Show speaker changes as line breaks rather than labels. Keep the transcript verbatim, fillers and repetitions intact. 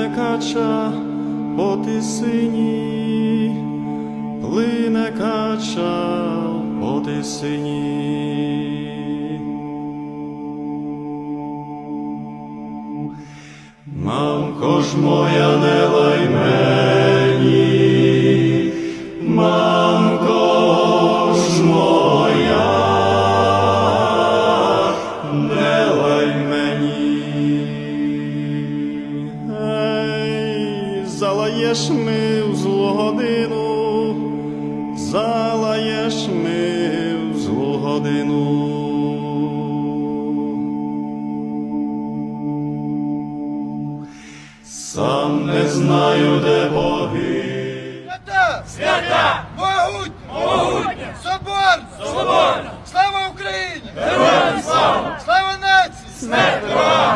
Плине кача по тисині, плине кача по тисині. Мамко ж моя, не лай мені, мамко ж моя, не лай мені. Ей, залаєш ми в злу годину, залаєш ми в злу годину. Сам не знаю, де боги.
Свята!
Свята!
Могутня!
Могутня!
Соборна!
Соборна!
Слава Україні!
Героям слава!
Слава нації!
Смерть ворогам!